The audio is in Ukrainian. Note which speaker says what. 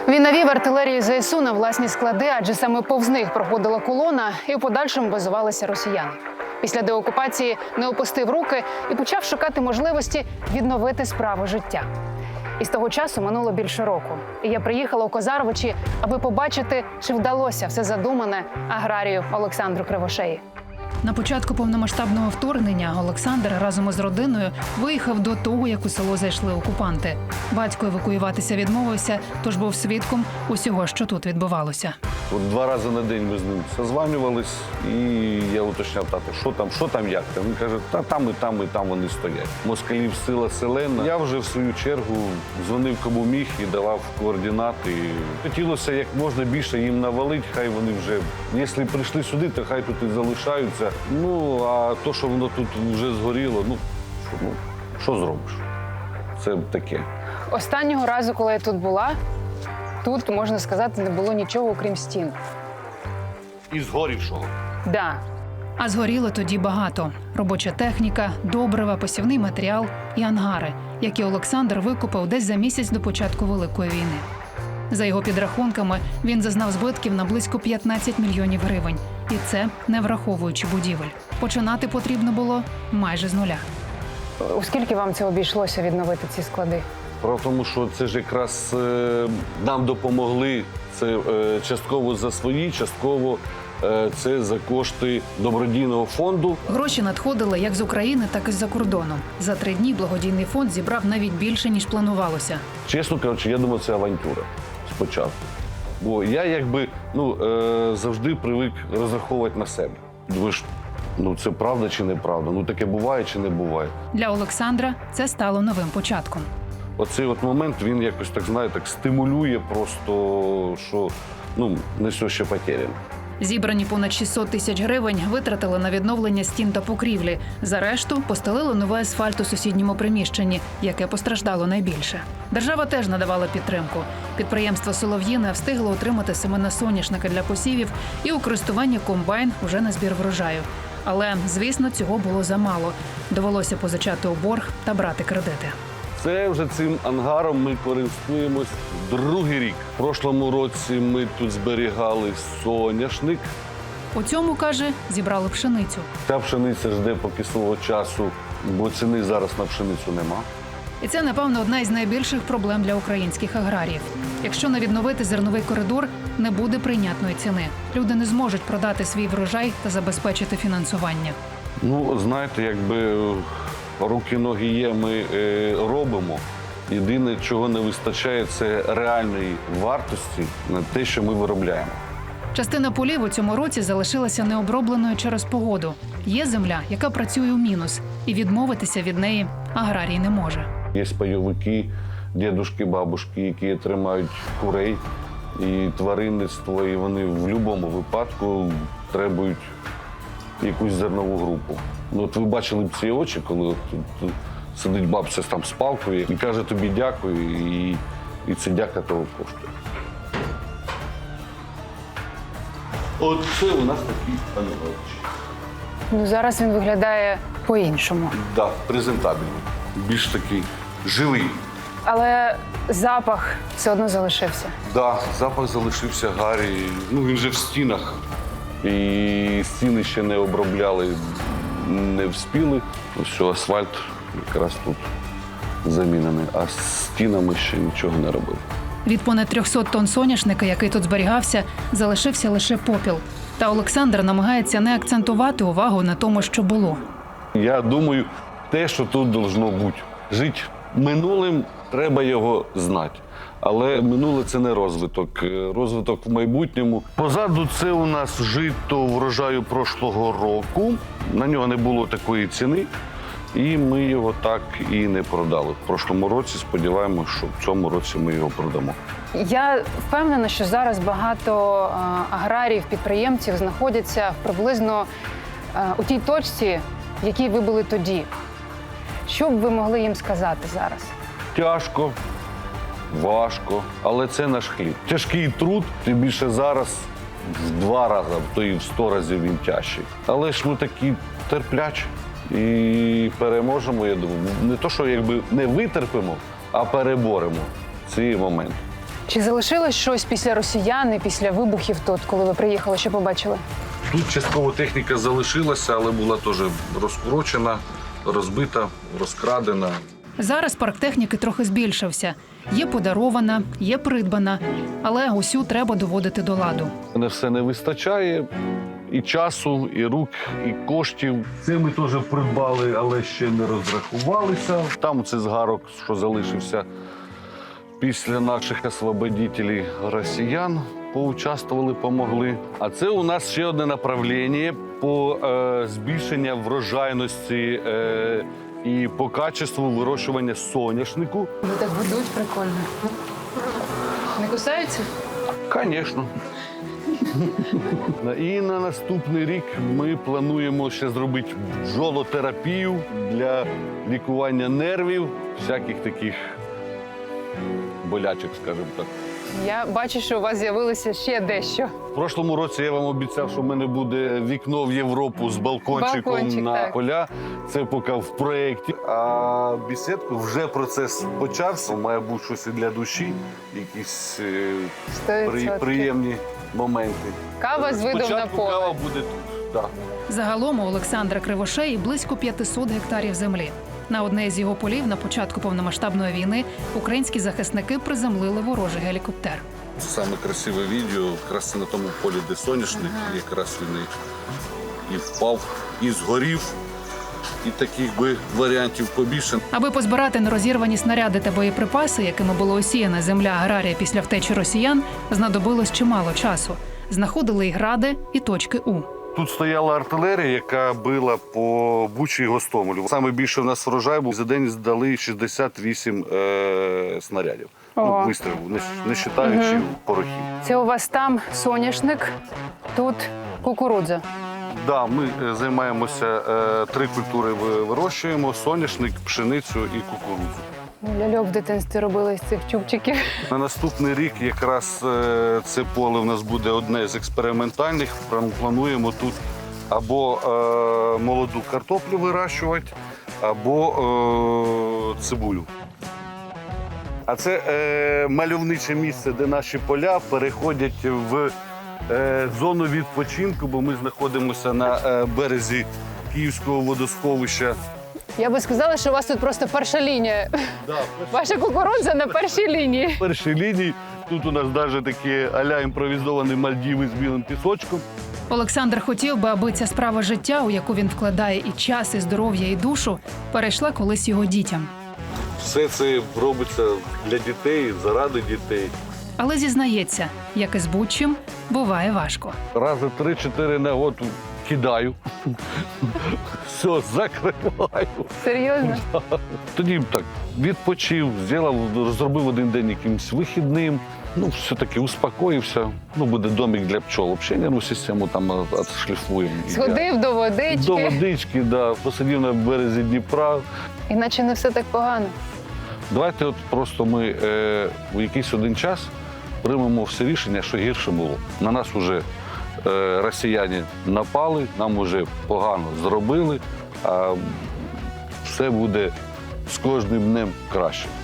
Speaker 1: Він навів артилерію ЗСУ на власні склади, адже саме повз них проходила колона і в подальшому базувалися росіяни. Після деокупації не опустив руки і почав шукати можливості відновити справу життя. І з того часу минуло більше року. І я приїхала у Козаровичі, аби побачити, чи вдалося все задумане аграрію Олександру Кривошеї. На початку повномасштабного вторгнення Олександр разом із родиною виїхав до того, як у село зайшли окупанти. Батько евакуюватися відмовився, тож був свідком усього, що тут відбувалося.
Speaker 2: От 2 рази на день ми з ним созванювались, і я уточняв, тато, що там, як там? Він каже, і там вони стоять. Москалів сила селена. Я вже в свою чергу дзвонив кому міг і давав координати. Хотілося як можна більше їм навалити, хай вони вже, якщо прийшли сюди, то хай тут і залишаються. Ну, а то, що воно тут вже згоріло, що зробиш? Це таке.
Speaker 1: Останнього разу, коли я тут була, тут, можна сказати, не було нічого, окрім стін.
Speaker 2: І згорівшого.
Speaker 1: Да.
Speaker 3: А згоріло тоді багато. Робоча техніка, добрива, посівний матеріал і ангари, які Олександр викупив десь за місяць до початку Великої війни. За його підрахунками, він зазнав збитків на близько 15 мільйонів гривень. І це не враховуючи будівель. Починати потрібно було майже з нуля.
Speaker 1: У скільки вам це обійшлося відновити ці склади?
Speaker 2: Справа в тому, що це ж якраз нам допомогли, це частково за свої, частково це за кошти добродійного фонду.
Speaker 3: Гроші надходили як з України, так і з-за кордону. За 3 дні благодійний фонд зібрав навіть більше, ніж планувалося.
Speaker 2: Чесно кажучи, я думав, це авантюра спочатку. Бо я завжди привик розраховувати на себе. Думаєш, це правда чи неправда? Таке буває чи не буває?
Speaker 3: Для Олександра це стало новим початком.
Speaker 2: Оцей момент, він якось, так стимулює просто, що не все ще потеряно.
Speaker 3: Зібрані понад 600 тисяч гривень витратили на відновлення стін та покрівлі. За решту постелили новий асфальт у сусідньому приміщенні, яке постраждало найбільше. Держава теж надавала підтримку. Підприємство «Солов'їне» встигло отримати семена соняшника для посівів і у користування комбайн уже на збір врожаю. Але, звісно, цього було замало. Довелося позичати у борг та брати кредити.
Speaker 2: Це вже цим ангаром ми користуємось 2-й рік. В прошлому році ми тут зберігали соняшник.
Speaker 3: У цьому, каже, зібрали пшеницю.
Speaker 2: Ця пшениця жде поки свого часу, бо ціни зараз на пшеницю нема.
Speaker 3: І це, напевно, одна із найбільших проблем для українських аграріїв. Якщо не відновити зерновий коридор, не буде прийнятної ціни. Люди не зможуть продати свій врожай та забезпечити фінансування.
Speaker 2: Знаєте, якби руки, ноги є, ми робимо. Єдине, чого не вистачає, це реальної вартості на те, що ми виробляємо.
Speaker 3: Частина полів у цьому році залишилася необробленою через погоду. Є земля, яка працює у мінус, і відмовитися від неї аграрій не може.
Speaker 2: Є пайовики, дідушки, бабушки, які тримають курей і тваринництво, і вони в будь-якому випадку требують якусь зернову групу. От ви бачили б ці очі, коли тут сидить бабця там з палкою і каже тобі дякую, і це дяка того коштує. Оце у нас такий анголчик.
Speaker 1: Зараз він виглядає по-іншому.
Speaker 2: Так, презентабельний. Більш такий живий.
Speaker 1: Але запах все одно залишився.
Speaker 2: Так, запах залишився гарі. Він же в стінах. І стіни ще не обробляли, не вспіли. Ось асфальт якраз тут замінений, а з стінами ще нічого не робили.
Speaker 3: Від понад 300 тонн соняшника, який тут зберігався, залишився лише попіл. Та Олександр намагається не акцентувати увагу на тому, що було.
Speaker 2: Я думаю, те, що тут должно бути. Жити минулим, треба його знати. Але минуле – це не розвиток. Розвиток в майбутньому. Позаду це у нас жито врожаю прошлого року. На нього не було такої ціни. І ми його так і не продали. В прошлому році сподіваємося, що в цьому році ми його продамо.
Speaker 1: Я впевнена, що зараз багато аграріїв, підприємців знаходяться приблизно у тій точці, в якій ви були тоді. Що б ви могли їм сказати зараз?
Speaker 2: Тяжко, важко, але це наш хліб. Тяжкий труд, тим більше зараз в 2 рази, а то і в 100 разів він тяжчий. Але ж ми такі терплячі і переможемо, я думаю. Не то, що не витерпимо, а переборемо ці моменти.
Speaker 1: Чи залишилось щось після росіян і після вибухів тут, коли ви приїхали, що побачили?
Speaker 2: Тут частково техніка залишилася, але була теж розкурочена, розбита, розкрадена.
Speaker 3: Зараз парк техніки трохи збільшився. Є подарована, є придбана, але усю треба доводити до ладу.
Speaker 2: Мене все не вистачає і часу, і рук, і коштів. Це ми теж придбали, але ще не розрахувалися. Там це згарок, що залишився після наших освободителів росіян, поучаствували, помогли. А це у нас ще одне направлення по збільшенню врожайності і по качеству вирощування соняшнику.
Speaker 1: Вони так ведуть прикольно. Не кусаються?
Speaker 2: Звісно. І на наступний рік ми плануємо ще зробити бджолотерапію для лікування нервів, всяких таких болячок, скажімо так.
Speaker 1: Я бачу, що у вас з'явилося ще дещо.
Speaker 2: В прошлому році я вам обіцяв, що в мене буде вікно в Європу з балкончиком
Speaker 1: Балкончик,
Speaker 2: на
Speaker 1: так.
Speaker 2: поля. Це поки в проєкті. А бесідку вже процес почався. Має бути щось і для душі, якісь
Speaker 1: 100%.
Speaker 2: приємні моменти.
Speaker 1: Кава з видом на
Speaker 2: Спочатку
Speaker 1: поле.
Speaker 2: кава буде тут. Так.
Speaker 3: Загалом у Олександра Кривошеї близько 500 гектарів землі. На одне з його полів на початку повномасштабної війни українські захисники приземлили ворожий гелікоптер.
Speaker 2: Саме красиве відео, якраз на тому полі, де соняшник, якраз він і впав, і згорів. І таких би варіантів побільше.
Speaker 3: Аби позбирати нерозірвані снаряди та боєприпаси, якими була осіяна земля аграрія після втечі росіян, знадобилось чимало часу. Знаходили і гради, і точки У.
Speaker 2: Тут стояла артилерія, яка била по Бучі і Гостомелю. Саме більше в нас врожай був. За день здали 68 снарядів.
Speaker 1: Ого.
Speaker 2: Вистрілів, не вважаючи порохів.
Speaker 1: Це у вас там соняшник, тут кукурудза.
Speaker 2: Да, ми займаємося, 3 культури вирощуємо: соняшник, пшеницю і кукурудзу.
Speaker 1: Ляльок в дитинстві робили з цих чубчиків.
Speaker 2: На наступний рік якраз це поле в нас буде одне з експериментальних. Плануємо тут або молоду картоплю вирощувати, або цибулю. А це мальовниче місце, де наші поля переходять в зону відпочинку, бо ми знаходимося на березі Київського водосховища.
Speaker 1: Я би сказала, що у вас тут просто перша лінія. Ваша кукурудза на першій лінії.
Speaker 2: В першій лінії тут у нас навіть такі а-ля імпровізовані Мальдіви з білим пісочком.
Speaker 3: Олександр хотів би, аби ця справа життя, у яку він вкладає і час, і здоров'я, і душу, перейшла колись його дітям.
Speaker 2: Все це робиться для дітей, заради дітей.
Speaker 3: Але зізнається, як і з будь-чим, буває важко.
Speaker 2: Рази 3-4 на год кидаю. Все, закриваю.
Speaker 1: Серйозно?
Speaker 2: Тоді так відпочив, зробив один день якимось вихідним. Ну, все-таки успокоївся. Ну, буде домик для пчол. Взагалі нервну систему там відшліфуємо.
Speaker 1: Сходив до водички.
Speaker 2: До водички, да. Посидів на березі Дніпра.
Speaker 1: Іначе не все так погано.
Speaker 2: Давайте от просто ми в якийсь один час приймемо все рішення, що гірше було. На нас вже росіяни напали, нам вже погано зробили, а все буде з кожним днем краще.